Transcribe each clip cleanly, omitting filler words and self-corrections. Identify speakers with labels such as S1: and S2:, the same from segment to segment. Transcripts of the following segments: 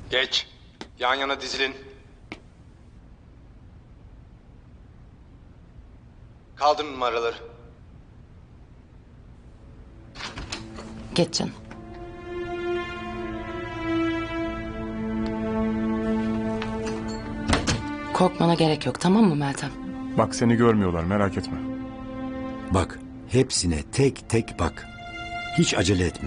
S1: Geç. Yan yana dizilin. Kaldırın numaraları.
S2: Geç canım. Korkmana gerek yok, tamam mı Meltem?
S3: Bak seni görmüyorlar, merak etme.
S4: Bak, hepsine tek tek bak. Hiç acele etme.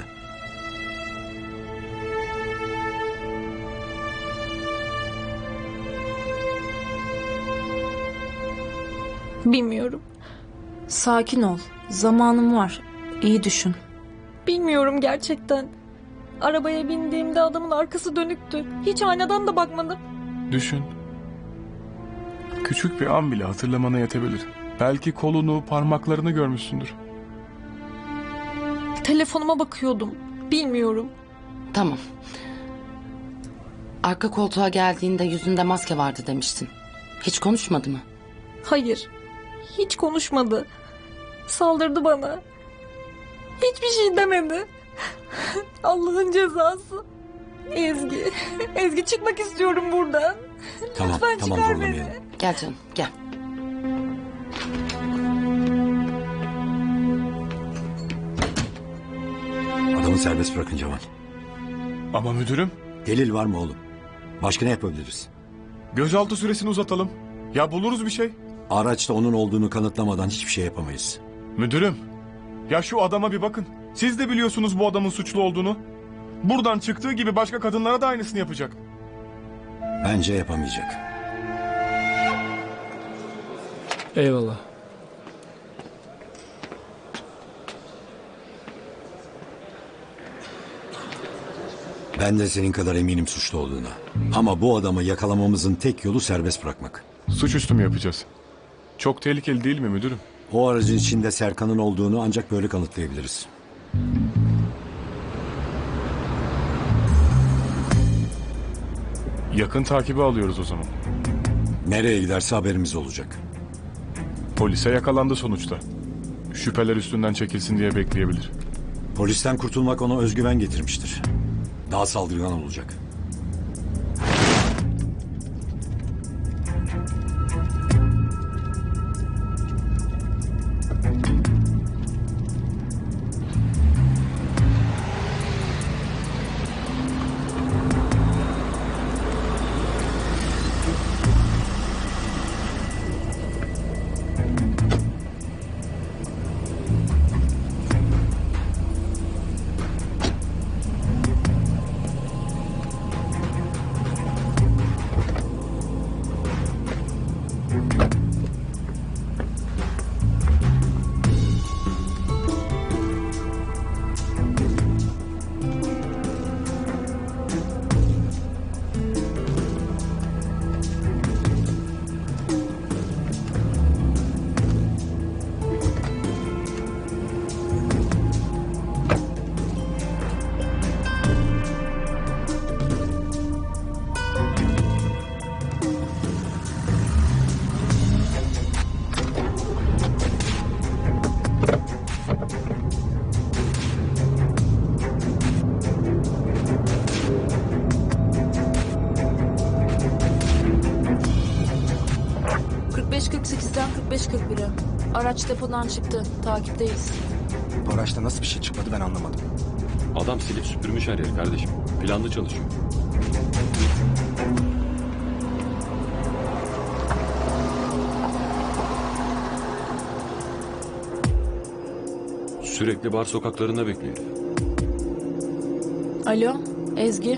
S5: Bilmiyorum.
S6: Sakin ol. Zamanım var. İyi düşün.
S5: Bilmiyorum gerçekten. Arabaya bindiğimde adamın arkası dönüktü. Hiç aynadan da bakmadım.
S3: Düşün. Küçük bir an bile hatırlamana yetebilir. Belki kolunu, parmaklarını görmüşsündür.
S5: Telefonuma bakıyordum. Bilmiyorum.
S2: Tamam. Arka koltuğa geldiğinde yüzünde maske vardı demiştin. Hiç konuşmadı mı?
S5: Hayır. Hiç konuşmadı. Saldırdı bana. Hiçbir şey demedi. Allah'ın cezası. Ezgi. Ezgi çıkmak istiyorum buradan.
S4: Tamam,
S5: Lütfen
S4: tamam
S5: çıkar
S4: zorlamayalım.
S5: beni.
S2: Gel canım, gel.
S4: Adamı serbest bırakın Cemal.
S3: Ama müdürüm,
S4: Delil var mı oğlum? Başka ne yapabiliriz?
S3: gözaltı süresini uzatalım. Ya buluruz bir şey.
S4: Araçta onun olduğunu kanıtlamadan hiçbir şey yapamayız.
S3: Müdürüm, ya şu adama bir bakın. Siz de biliyorsunuz bu adamın suçlu olduğunu. Buradan çıktığı gibi başka kadınlara da aynısını yapacak.
S4: Bence yapamayacak.
S7: Eyvallah.
S4: Ben de senin kadar eminim suçlu olduğuna. Ama bu adamı yakalamamızın tek yolu serbest bırakmak.
S3: Suçüstü mü yapacağız? Çok tehlikeli değil mi müdürüm?
S4: O aracın içinde Serkan'ın olduğunu ancak böyle kanıtlayabiliriz.
S3: Yakın takibi alıyoruz o zaman.
S4: Nereye giderse haberimiz olacak.
S3: Polise yakalandı sonuçta. Şüpheler üstünden çekilsin diye bekleyebilir.
S4: Polisten kurtulmak ona özgüven getirmiştir. Daha saldırgan olacak.
S6: Araç depodan çıktı. Takipteyiz.
S1: Bu araçta nasıl bir şey çıkmadı ben anlamadım.
S8: Adam silip süpürmüş her yeri kardeşim. Planlı çalışıyor. Sürekli bar sokaklarında bekliyor.
S6: Alo, Ezgi.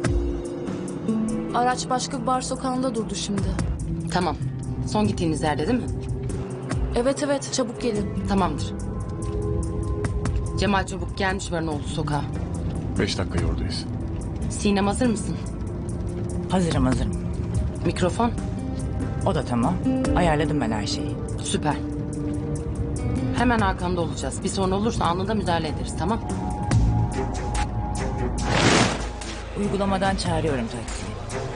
S6: Araç başka bir bar sokağında durdu şimdi.
S2: Tamam. Son gittiğiniz yerde değil mi?
S6: Evet, çabuk gelin.
S2: Tamamdır. Cemal çabuk gelmiş Varanoğlu sokağa.
S3: 5 dakikaya oradayız.
S2: Sinem hazır mısın?
S9: Hazırım.
S2: Mikrofon?
S9: O da tamam. Ayarladım ben her şeyi.
S2: Süper. Hemen arkanda olacağız. Bir sorun olursa anında müdahale ederiz, tamam?
S9: Uygulamadan çağırıyorum taksiyi.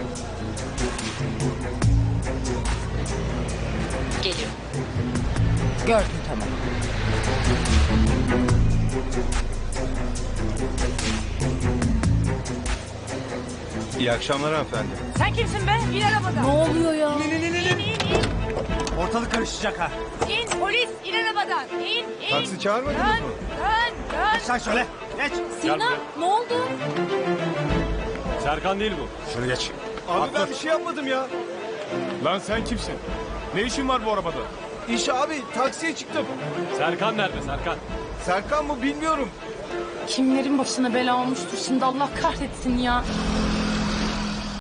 S2: Geliyor.
S9: Gördüm, tamam.
S1: İyi akşamlar hanımefendi.
S9: Sen kimsin be? İn arabadan.
S6: Ne oluyor ya?
S1: Ortalık karışacak ha.
S9: İn polis in arabadan. İn.
S1: Taksi çağırmadınız mı?
S9: Dön.
S1: Sen söyle. Geç.
S6: Sinan ne oldu?
S8: Serkan değil bu.
S1: Şunu geç. Abi ben bir şey yapmadım ya.
S3: Lan sen kimsin? Ne işin var bu arabada?
S1: İş abi taksiye çıktım.
S8: Serkan nerede Serkan?
S1: Serkan mı bilmiyorum.
S2: Kimlerin başına bela olmuştur şimdi Allah kahretsin ya.